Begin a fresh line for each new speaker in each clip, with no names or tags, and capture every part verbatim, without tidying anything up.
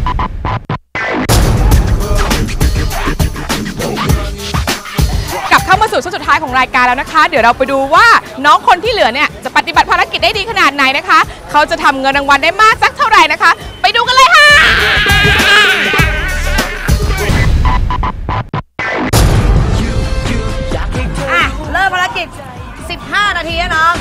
กลับเข้ามาสู่ช่วงสุดท้ายของรายการแล้วนะคะเดี๋ยวเราไปดูว่าน้องคนที่เหลือเนี่ยจะปฏิบัติภารกิจได้ดีขนาดไหนนะคะเขาจะทำเงินรางวัลได้มากสักเท่าไหร่นะคะไปดูกันเลยค่ะ
อ่ะเริ่มภารกิจสิบห้านาทีนะน้อง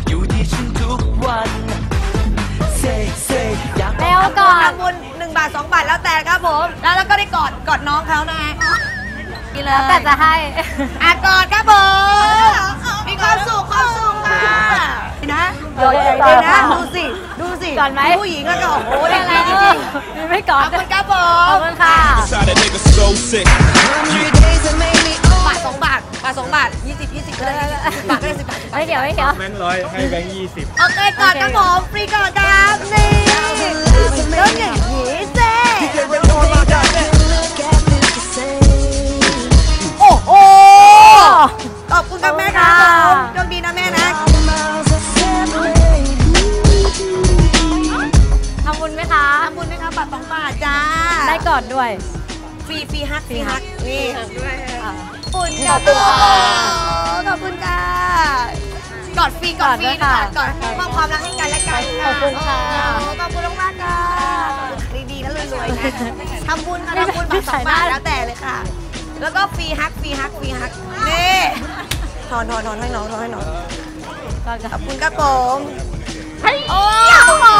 เร็วก่อน
ทำบุญหนึ่งบาทสองบาทแล้วแต่ครับผมแล้วแล้วก็ได้กอดกอดน้องเขานะ
แล้วแต่จะให้
อ่ะกอดครับผมมีความสุขความสุขค่ะนะเดี๋ยวนะดูสิดูสิ
ก่อนไหม
ผู้หญิงแล้วก็โอ้โหได้แล้วจริง
ๆไม่ก่อน
ขอบคุณครับผม
ขอบคุณค่ะ
บาทสองบาทบาทสองบาทยี่สิบยี่สิบก็ได้สิบบาทก็ได้สิบบาท
ไม่เกี่ยวไม่เกี่ยว
แบงค์ร้อยให้แบงค์ยี่สิบ
โอเคก่อนครับผมฟรีก่อนครับนี่เริ่มอย่างนี้เซ่โอ้โหขอบคุณครับแม่ครับโชคดีนะแม่นะ
ทำบุญไหมคะ
ทำบุญไหมคะบาทสองบาทจ้า
ได้ก่อนด้วย
ฟรีฟรีฮักฟรีฮักนี่
ด้วย
ขอบคุณค่ะขอบคุณค่ะกอดฟรีกอดฟรีค่ะกอดมอบความรักให้กันและกัน
ขอบคุณค่ะ
ขอบคุณมากค่ะดีๆนะรวยๆนะทำบุญค่ะทำบุญบาทสองบาทแล้วแต่เลยค่ะแล้วก็ฟรีฮักฟรีฮักฟรีฮักนี่ถอนถอนถอนให้น้องถอนให้น้องขอบคุณครับผมโอ้โห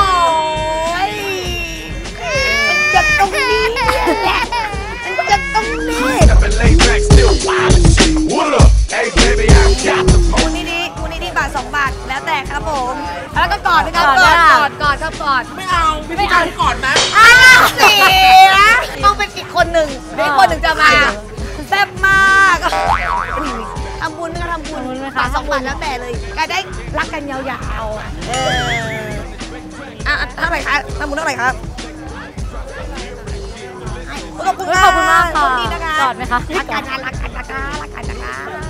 มันจะตรงนี้แหละมันจะตรงนี้คุณนี่ดีคุณนี่ดีบาทสองบาทแล้วแต่ครับผมแล้วก็กอดนะครับกอดกอดกอดครับกอดไม่เอาไม่เอาที่กอดนะอ้าวเสียต้องเป็นอีกคนหนึ่งอีกคนหนึ่งจะมาแซ่บมากทำบุญก็ทำบุญบาทสองบาทแล้วแต่เลยก็ได้รักกันยาวๆเอออ่ะเท่าไหร่คะทำบุญเท่าไหร่ครับขอบคุณ
ขอบคุณมากค่ะ
กอดไหมคะรักกันนะรักกันนะคะรักกันนะคะ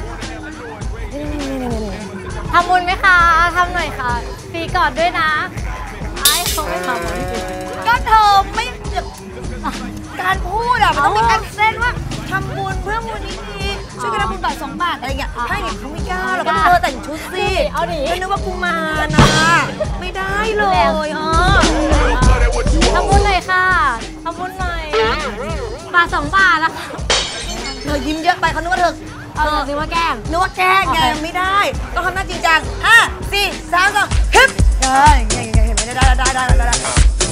ทำบุญไหมคะทำหน่อยค่ะฟรีกอดด้วยนะไอ้เขาไม่ทำ
ก็เธอไม่การพูดอะมันต้องมีการเส้นว่าทำบุญเพื่อมูลนิธิช่วยกันทำบุญบาทสองบาทอะไรอย่างเงี้ยถ้าอย่างเขาไม่กล้าเราก็เธอแต่งชุดสิ
เอาดิ
ไม่นึกว่ากูมานะไม่ได้เลยอ๋อ
ทำบุญหน่อยค่ะทำบุญหน่อยบาทสองบาทแล้ว
เธอยิ้มเยอะไปเขานึกว่าเธอ
เออนึกว่าแกล้ง
นึกว่าแกล้งไงไม่ได้ต้องทำหน้าจริงจังห้าสี่สามสองฮึบเอออย่างเงี้ยเห็นไหมได้ได้ได้ได้ได้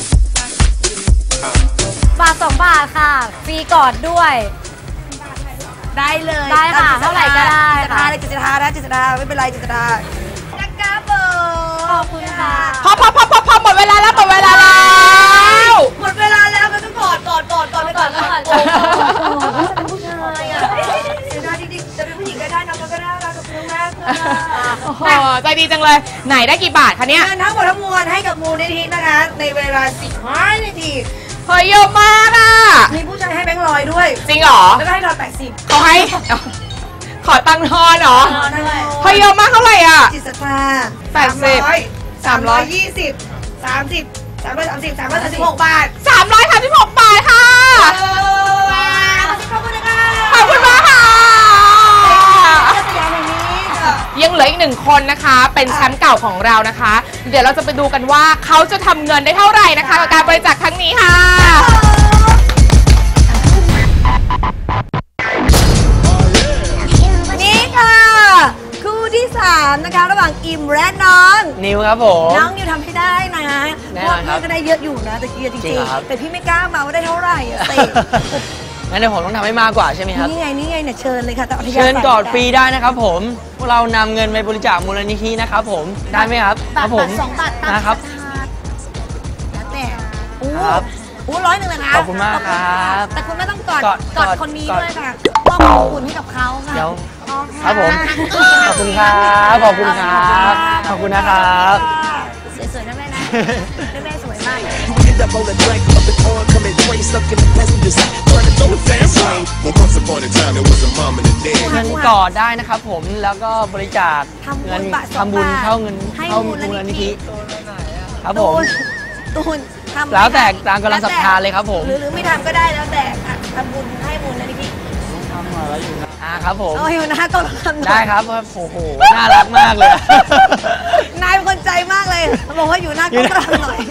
บาทสองบาทค่ะฟรีกอดด้วย
ได้เลย
ได้ค่ะเท่าไหร่ก็ได้
ค่ะจิตตานะจิตตาไม่เป็นไรจิตตานักกาเบอร์
ขอบคุณค่ะ
พอพอพอพอพอหมดเวลาแล้วหมดเวลาแล้ว
หมดเวลาแล้วก็ต้องกอดกอดกอดกอดไปก่อนก่อนเป็นผู้ชายอ่ะได้จริงๆจะเป็นผู้หญิงก็ได้น้องก็ได้ขอบคุณมาก
โอ้โหใจดีจังเลยไหนได้กี่บาทคะเนี่ย
เงินทั้งหมดทั้งมวลให้กับมูลนิธินะคะในเวลาสิบห้านาที
เฮ้ยเยอะมากอ่ะ
มีผู้ชายให้แบงค์ร้อยด้วย
จริงเหรอ
แล้วก็ให้ทอนแปดสิบ
เขาให้ขอตังค์ทอนเหรอเฮ้ยเยอะมากเท่าไหร่อ่ะ
จิตศรัทธา
แปดสิบ
สามร้อยยี่สิบสามสิบสามร้อยสามสิบสามร้อยสามสิบหกบาท
สามร้อยสามสิบหกบาทค่ะ
ขอบคุณนะคะ
ขอบคุณมากค่ะยังเหลืออีกหนึ่งคนนะคะเป็นแชมป์เก่าของเรานะคะเดี๋ยวเราจะไปดูกันว่าเขาจะทำเงินได้เท่าไหร่นะคะกับการบริจาคครั้งนี้ค่ะ
นี่ค่ะคู่ที่สามนะคะระหว่างอิมและน้อง
นิวครับผม
น้องนิวทำให้ได้นะเพราะพี่ก็ได้เยอะอยู่นะแต่กี้จริงๆแต่พี่ไม่กล้ามาว่าได้เท่าไหร่อะสิ
งั้นเดี๋ยวผมต้องทำให้มากกว่าใช่ไหมครับ
นี่ไงนี่ไงเนี่ยเชิญเลยค่ะ
เชิญกอดฟรีได้นะครับผมพวกเรานำเงินไปบริจาคมูลนิธินะครับผมได้ไหมครับ
ครับผมสองบาท
นะครับ
แล้วแต่โอ้โหร้อยหนึ่งเลยนะ
ขอบคุณมากครับ
แต่คุณไม่ต้องกอดกอดคนนี้ด้วยค่ะมอบขอบคุณให้กับเขาค่ะ
เดี๋ยวครับผมขอบคุณครับขอบคุณครับขอบคุณนะครับ
สวยๆนะแม่นะแม่สวยมาก
เงินกอดได้นะครับผมแล้วก็บริจาคเงินทำบุญเข้าเงินเข้ามูลนิธิครับผม
ตูนทำ
แล้วแต่ตามกำลังศรัทธาเลยครับผม
หรือหรือไม่ทำก็ได้แล้วแต่อ่ะทำบุญให้บุญนะพี่
อ่าครับผม
เอาอยู่นะก็ทำหน่อย
ได้ครับโอ้โหน่ารักมากเลย
นายเป็นคนใจมากเลยบอกว่าอยู่หน้า
อยู่
ก็
หน้า
ทำหน่อย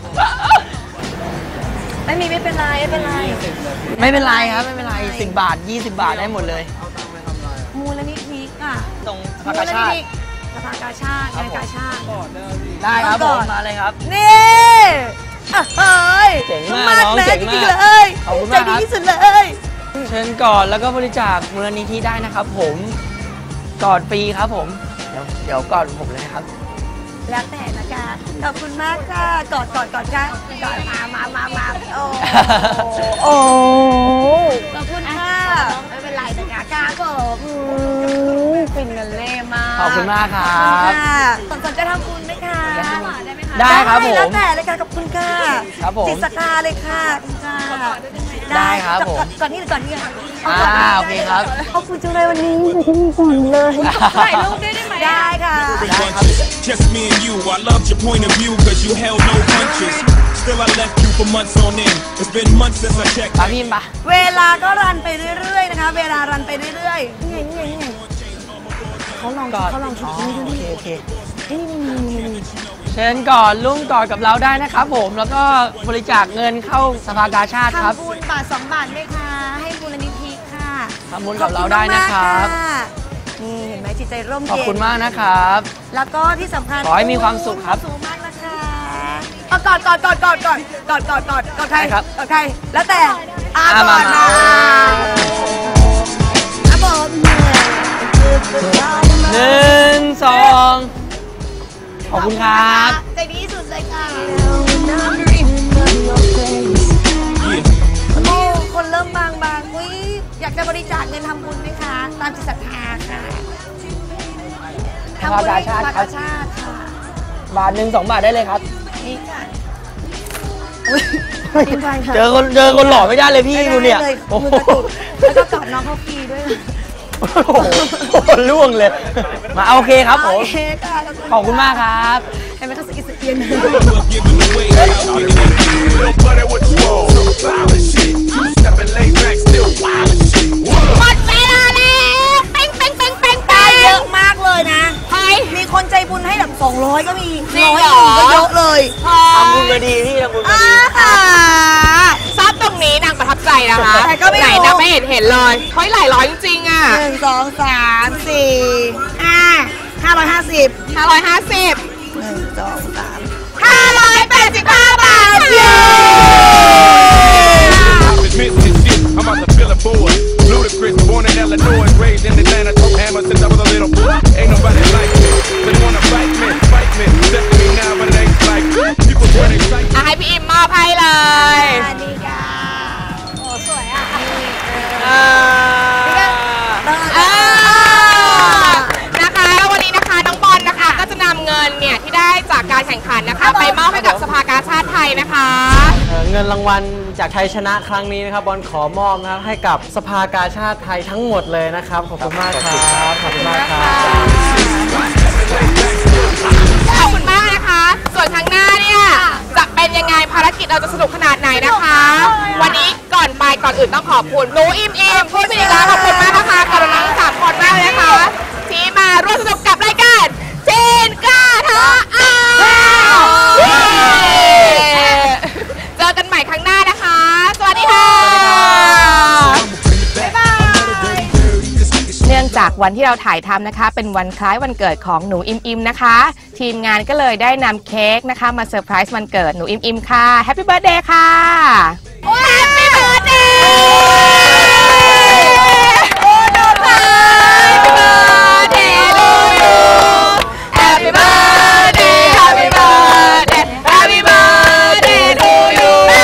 ไม่มีไม่เป็นไรไม่เป็นไร
ไม่เป็นไรครับไม่เป็นไรสิบบาทยี่สิบบาทได้หมดเลย
มูลนิธิอ่ะ
ตรงส
มู
ภากา
ล
ชา
นิ
ติ
ธิสภากาชาติงานกาชาติ
ได้ครับ
ก่
ผ
อน
มมาเลยครับ
นี่อ่ะเฮ้ย
เจ๋งมากน้อง
แม่
เจ๋ง
จ
มาก
ริงๆเลย
ขอบคุณ
ใจ
มากครับ
ดีที่สุดเลย
เชิญกอดแล้วก็บริจาคมูลนิธิได้นะครับผมกอดฟรีครับผมเดี๋ยวเดี๋ยวกอดผมเลยนะครับ
แล้วแต่นะคะขอบคุณมากค่ะกอดกอดกอดค่ะกอดมามามามาโอ้โอ้ขอบคุณค่ะไม่เป็นไรนะคะกาผมฟินกันเล่มาก
ขอบคุณมากครั
ขอบคุณ
บ
ค่ะสนใจทำบุญไหมคะ
ได้ครับผม
แล้วแต่เลยค่ะขอบคุณค่ะ
ครับผม
จิตศรัทธาเลยค่ะขอบคุณค่ะ
ได้ครับผม
ก่อนที่ก่อนที่
อ่าโอเคครับ
ขอบคุณจังเลยวันนี้ก่อนเลยถ่ายรูปได้ไหมได้ค่ะ
Just me and you, I loved your point of view cause you held no punches. Still I left you for months on end. It's been months since I checked.
ปาพี่ปะ
เวลาก็รันไปเรื่อยๆนะคะ เวลารันไปเรื่อยๆนี่ไงนี่ไงนี่ไงเขาลอง
กอด
เขาลอง
อ๋
ชุ
อ
ดนี้ดู
โอเค
ดิ
โอเค
นี่นี่นี่นี่นี่
เชิญกอดลุงกอดกับเราได้นะครับผมแล้วก็บริจาคเงินเข้าสภากาชาติครับ
ทำบุญบาทสองบาทด้วยค่ะ ให้มูลนิธิค่ะ
ทำบุญกับเราได้นะครับ
ขอณมากๆนี่เห็นไหมจิตใจร่ม
ขอบ
เย็น
คุณมากนะครับ
แล้วก็ที่สำคัญ
ขอให้มีความสุขครับ
มีวามสุขมากนะคะเอากอดกอดกอดกอดกอดกอดกอดกอดกอดใคร
ได้ครับ
กอดใครแล้วแต่อา
อ่ะ
กอด
มา
นะ
มา
อาบอก
หนึ่งสองขอบคุณครับ
ใจดีที่สุดเลยค่ะโอ้คนเริ่มบางบางอุ้ยอยากจะบริจาคเงินทำบุญไหมคะ ตามจิตศรัทธาค่ะ
สภากาชาติ
ทำบุญให้สภากาชาติค่ะ
บาทหนึ่งสองบาทได้เลยครับ
นี่ค่ะอุ๊ยดีใจค่ะ
เจอคนเจอคนหล่อไม่ได้เลยพี่
ไม่ได้
ดูเนี่ย
เลย
โอ้โห
มือกระตุกแล้วก็กอดน้องเขาฟรีด้วย
โอ้โหล่วงเลย มาโอเคครับผม
โอเคค่ะ
ขอบคุณมากครับ
เห็นไหมเขาสะกิดสะเอียน
Love giving away. How you gonna
Little buddy, what you want? Some violent shit. Two stepping lay back, still wild and shit.
หมดเวลาแล้วเป้งเป้งเป้งเป้งเป้งเยอะมากเลยนะใครมีคนใจบุญให้แบบสองร้อยก็มี
จริง
ร้อย
เหรอ
หนึ่งก็เยอะเลย
ทำบุญมาดีพี่ทำบุญมา
อ่า
ดี
ค่ะ
ทราบตรงนี้นางประทับใจนะคะ
แต่ก็ไม่รู้
ไหนนางไม่เห็นเห็นเลยเฮ้ยหลายร้อยจริงๆอ่ะ
หนึ่งสองสามสี่ห้าห้าร้อยห้าสิบ
ห้าร้อยห้าสิบ
หนึ่งสองสาม
ห้าร้อยแปดสิบห้าบาทเย้
admit this shit? I'm about to fill a board. Ludacris, born in Illinois, raised in Atlanta, took hammer since I was a little boy. Ain't nobody like me. They wanna fight me, fight me. Step to me now, but it ain't like people when they fight.
อ่ะให้พี่อิมมอบให้เลย
สวัสดีค่ะโอ้สวยอ่ะ
เออเออนะคะวันนี้นะคะน้องบอลนะคะก็จะนำเงินเนี่ยที่ได้จากการแข่งขันนะคะไปมอบให้กับสภากาชาติไทยนะคะ
เอ่อเงินรางวัลจากไทยชนะครั้งนี้นะครับบอลขอมอบนะครับให้กับสภากาชาติไทยทั้งหมดเลยนะครับ ขอบคุณมากครับ ขอบคุณมากครับ
ขอบคุณมากนะคะ ส่วนครั้งหน้าเนี่ยจะเป็นยังไงภารกิจเราจะสนุกขนาดไหนนะคะ วันนี้ก่อนไปก่อนอื่นต้องขอบคุณหนูอิมอิมพูดไปอีกแล้วขอบคุณมากนะคะขอบคุณน้องสามคนมากเลยนะคะที่มาร่วมสนุกกับรายการจีนกล้าท้าอ้าวเจอกันใหม่ครั้งหน้านะคะ สวัสดีค่ะบ๊ายบาย เนื่องจากวันที่เราถ่ายทำนะคะ เป็นวันคล้ายวันเกิดของหนูอิมอิมนะคะ ทีมงานก็เลยได้นำเค้กนะคะมาเซอร์ไพรส์วันเกิดหนูอิมอิมค่ะแฮปปี้เบิร์ธเดย์ค่ะแฮปปี้เบิร์ธเดย์โอ้โน้ตค่ะแฮปปี้เบิร์ธเดย์ลูยูแฮปปี้เบิร์ธเดย์แฮปปี้เบิร์ธเดย์แฮปปี้เบิร์ธเดย์ลูยู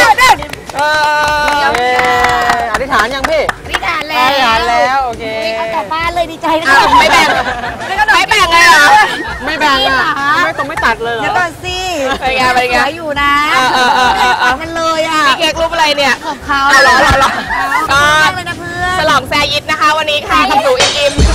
อธิษฐานยังพี่
อธิษฐาน
อ
แล้ว
ธิษฐานแล้ว โอเค
เอากลับบ้านเลยดีใจนะ
อ้าวไม่แบ่งไม่แบ่งเลยเหรอ
ไม่แบ่งอ่ะ ไม่ต้องไม่ตัดเลยเหร
เดี๋ยว
อ
ก่อนสิ
เป็นไงเป็นไง
สวยอยู่นะ
เออเออเออเออเออ
กันเลยอ่ะ
มีเค้กรูปอะไรเนี่ย
ของเขา
เอาเหรอเอาเหรอ
ก็
ก็
เลยนะเพื่อน
ฉลองแซยิดนะคะวันนี้ค่ะกับหนูอิมอิม